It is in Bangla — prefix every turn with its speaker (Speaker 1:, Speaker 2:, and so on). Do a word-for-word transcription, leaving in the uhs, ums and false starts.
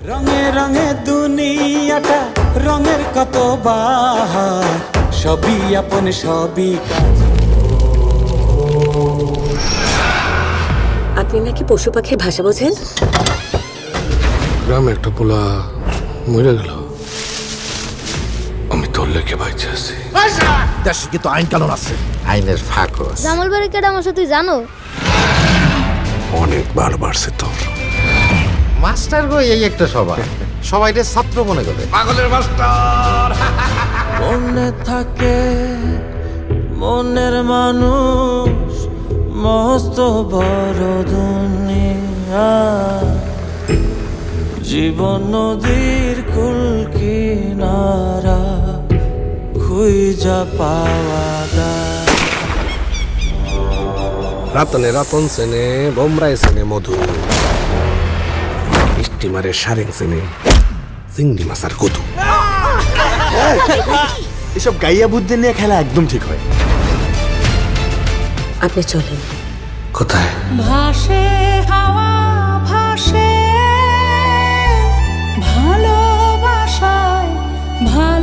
Speaker 1: রঙে রঙে দুনিয়াটা রঙের কত বাহার, সবই আপন সবই কাজ।
Speaker 2: আপনি নাকি পশু পাখির ভাষা বোঝেন?
Speaker 3: গ্রামে একটা পোলা মরে গেল, আমি তোর লেগে বাইচে আছি।
Speaker 4: দেশে কিন্তু আইন কানুন আছে,
Speaker 5: আইনের ফাঁক
Speaker 6: জামাল বাড়ি কেডা আমার সাথে জানো?
Speaker 3: অনেকবার বাড়ছে তোর।
Speaker 5: মাস্টার গো এই একটা সবাই সবাইকে ছাত্র মনে করে।
Speaker 3: পাগলের মাস্টার।
Speaker 1: মনে থাকে মনের মানুষ, মস্ত বড় দুনিয়া, জীবন নদীর কুল কিনারা, খুঁজা পাওয়া যায়।
Speaker 3: রাতনে রাতন সেনে, বোমরাই সেনে মধু, স্টিমারের সারেং সেনে চিংড়ি মাছ আর কদু।
Speaker 4: এসব গাইয়া বুদ্ধি নিয়ে খেলা একদম ঠিক হয়।
Speaker 2: আপনি চলেন।
Speaker 3: কোথায়?
Speaker 7: ভাসে হাওয়া ভাসে, ভালোবাসায় ভাসে।